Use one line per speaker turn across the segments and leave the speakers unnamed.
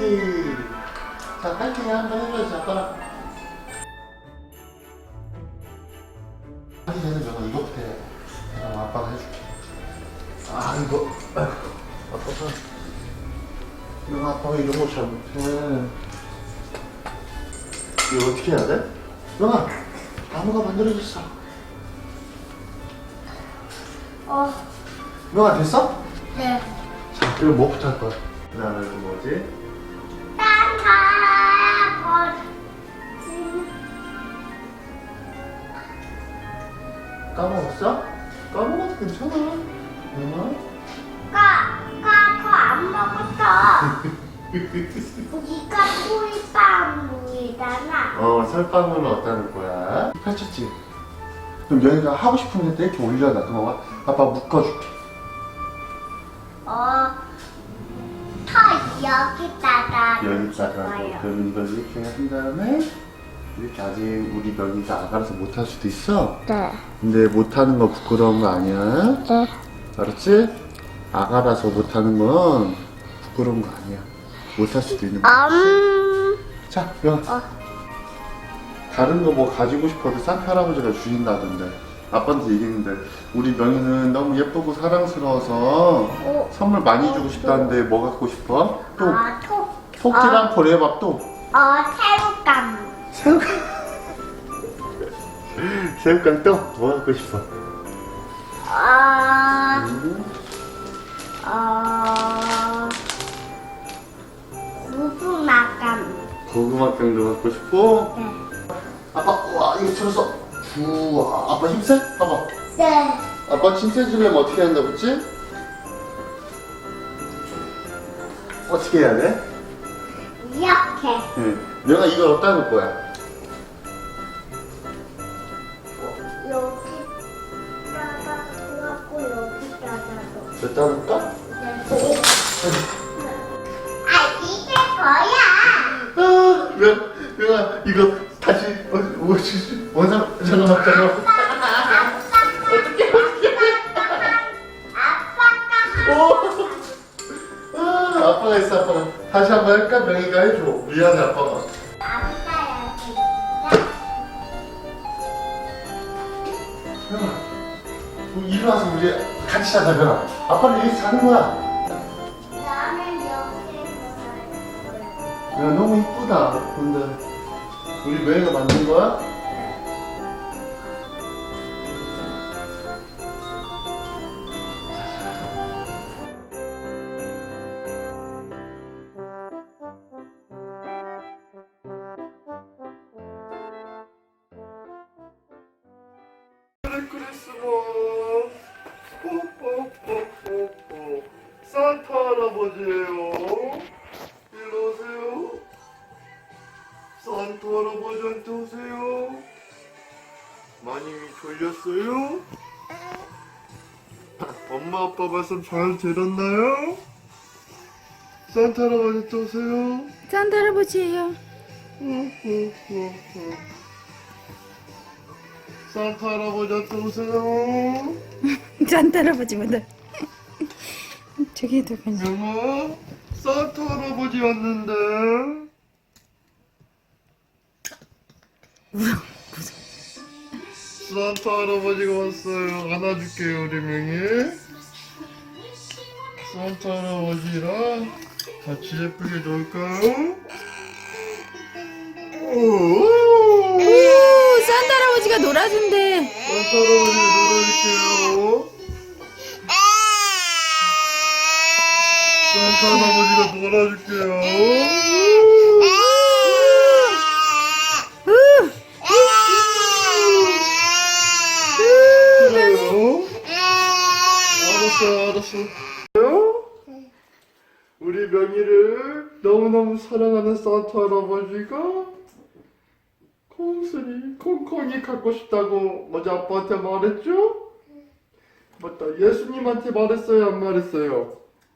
파이팅. 자, 파이팅 한번 해줘야지, 아빠랑. 하기 전에 너가 이거부터 해. 그럼 아빠가 해줄게. 아, 이거. 아빠가. 너 아빠가 이런 거 잘 못해. 이거 어떻게 해야 돼? 너가 나무가 만들어졌어. 너가 됐어?
네.
자, 그럼 뭐부터 할 거야? 그 다음에는 뭐지? 까먹었어? 까먹어도 괜찮아. 응?
그거 안 먹었어. 이거 꿀빵이잖아.
설방울은 어떠는 거야? 펼쳤지? 그럼 여기가 하고 싶은 데 이렇게 올려놔. 그럼 아빠 묶어줄게.
여기다가
그럼 이걸 이렇게 한 다음에 이렇게 아직 우리 명이가 아가라서 못할 수도 있어.
네.
근데 못하는 거 부끄러운 거 아니야.
네.
알았지? 아가라서 못하는 건 부끄러운 거 아니야. 못할 수도 있는 거야. 자, 명. 다른 거 뭐 가지고 싶어도 산타 할아버지가 주신다던데. 아빠한테 얘기했는데 우리 명이는 너무 예쁘고 사랑스러워서 선물 많이 주고 싶다는데 뭐 갖고 싶어? 또 토끼랑 고래밥 또
새우깡.
새우깡. 새우깡 또 뭐 갖고 싶어? 고구마깡도 갖고 싶고.
네.
아빠, 우와, 이거 들었어. 우와, 아빠 힘세? 봐봐.
네.
아빠 힘세 주려면 어떻게 한다고 했지? 어떻게 해야 돼?
이렇게.
응. 내가 이걸 어디다 놓을 거야?
여기다가 놓고 여기다가도.
여기다 놓을까?
네. 이게 거야.
왜, 이거 다시, 잠깐만. 아빠가 있어, 아빠가. 다시 한번 할까? 명이가 해줘. 미안해, 아빠가. 명아, 이리 와서 우리 같이 자자, 명아. 아빠는 여기서 자는 거야.
나는 여기에서
야, 너무 이쁘다. 근데 우리 명이가 만든 거야? 크리스마스. 산타 할아버지예요. 일로 오세요. 산타 할아버지한테 오세요. 많이 졸렸어요? 엄마 아빠 말씀 잘 들었나요? 산타 할아버지한테 오세요.
산타 할아버지예요.
산타 할아버지한테 오세요.
산타 할아버지보다 저기 더 괜찮아.
영아, 산타 할아버지 왔는데. 산타 할아버지가 왔어요. 안아줄게요, 우리 명이. 산타 할아버지랑 같이 예쁘게 놀까요?
오, 산타 할아버지가 놀아준대.
산타 할아버지 놀아줄게요. 산타 할아버지가 놀아줄게요. 그래요? 알았어. 우리 명이를 너무너무 사랑하는 산타 할아버지가 콩순이, 콩콩이 갖고 싶다고 어제 아빠한테 말했죠? 맞다, 예수님한테 말했어요, 안 말했어요?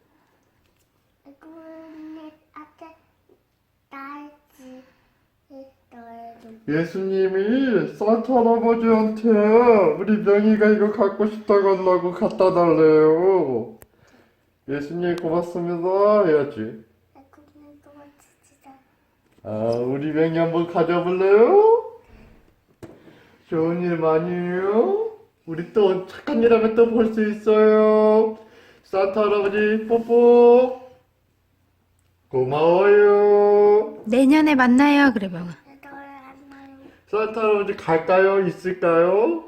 예수님이 산타 할아버지한테 우리 명이가 이거 갖고 싶다고 하려고 갖다 달래요. 예수님 고맙습니다 해야지. 우리 맹이 한번 가져볼래요? 좋은 일 많이 해요. 우리 또 착한 일 하면 또 볼 수 있어요. 산타 할아버지 뽀뽀. 고마워요.
내년에 만나요. 그래 봐.
산타 할아버지 갈까요? 있을까요?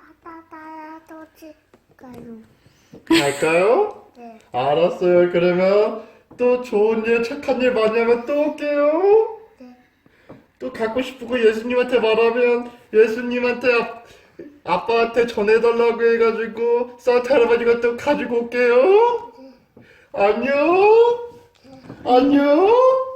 갈까요?
네.
알았어요. 그러면 또 좋은 일, 착한 일 많이 하면 또 올게요.
네.
또 갖고 싶은 거 예수님한테 말하면 예수님한테 아빠한테 전해달라고 해가지고 산타 할아버지가 또 가지고 올게요. 안녕. 안녕.